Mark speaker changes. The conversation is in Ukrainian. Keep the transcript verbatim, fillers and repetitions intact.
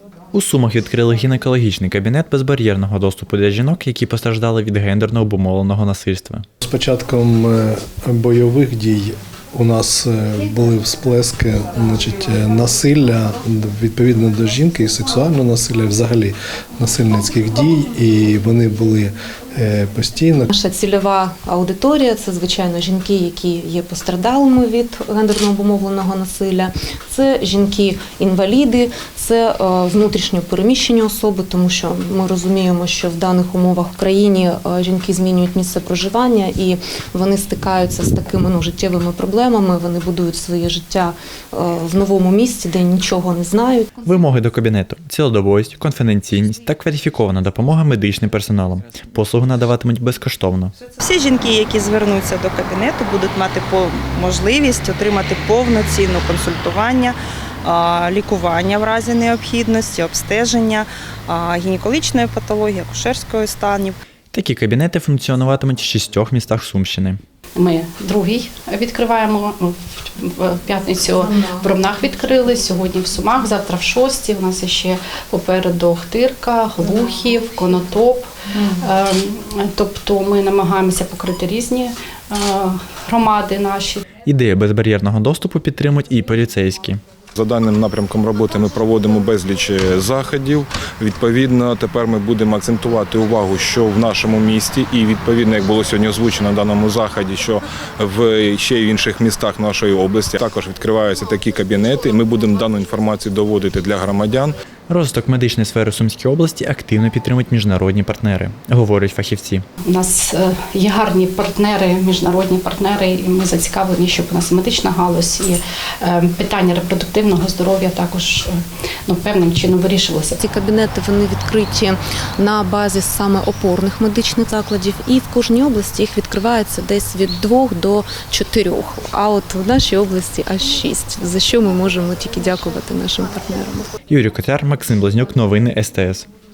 Speaker 1: У Сумах відкрили гінекологічний кабінет безбар'єрного доступу для жінок, які постраждали від гендерно обумовленого насильства.
Speaker 2: З початком бойових дій у нас були всплески, значить, насилля відповідно до жінки і сексуального насилля, взагалі насильницьких дій, і вони були постійно.
Speaker 3: Наша цільова аудиторія – це, звичайно, жінки, які є постраждалими від гендерно обумовленого насилля, це жінки-інваліди, це внутрішньо переміщені особи, тому що ми розуміємо, що в даних умовах в країні жінки змінюють місце проживання і вони стикаються з такими ну, життєвими проблемами, вони будують своє життя в новому місці, де нічого не знають.
Speaker 1: Вимоги до кабінету – цілодобовість, конфіденційність та кваліфікована допомога медичним персоналом. Послугу надаватимуть безкоштовно.
Speaker 4: Всі жінки, які звернуться до кабінету, будуть мати можливість отримати повноцінне консультування, лікування в разі необхідності, обстеження, гінекологічної патології, акушерської станів.
Speaker 1: Такі кабінети функціонуватимуть в шістьох містах Сумщини.
Speaker 5: Ми другий відкриваємо, в п'ятницю в Ромнах відкрили, сьогодні в Сумах, завтра в Шості. У нас ще попереду Охтирка, Глухів, Конотоп. Тобто ми намагаємося покрити різні громади наші.
Speaker 1: Ідею безбар'єрного доступу підтримують і поліцейські.
Speaker 6: За даним напрямком роботи ми проводимо безліч заходів. Відповідно, тепер ми будемо акцентувати увагу, що в нашому місті і відповідно, як було сьогодні озвучено на даному заході, що в ще й в інших містах нашої області також відкриваються такі кабінети. Ми будемо дану інформацію доводити для громадян.
Speaker 1: Розвиток медичної сфери Сумської області активно підтримують міжнародні партнери, говорять фахівці.
Speaker 5: У нас є гарні партнери, міжнародні партнери, і ми зацікавлені, щоб у нас медична галузь і питання репродуктивного здоров'я також ну, певним чином вирішувалися.
Speaker 3: Ці кабінети вони відкриті на базі саме опорних медичних закладів, і в кожній області їх відкривається десь від двох до чотирьох. А от в нашій області аж шість, за що ми можемо тільки дякувати нашим партнерам.
Speaker 1: Юрій Котяр, Максим Блазнюк, новини ес те ес.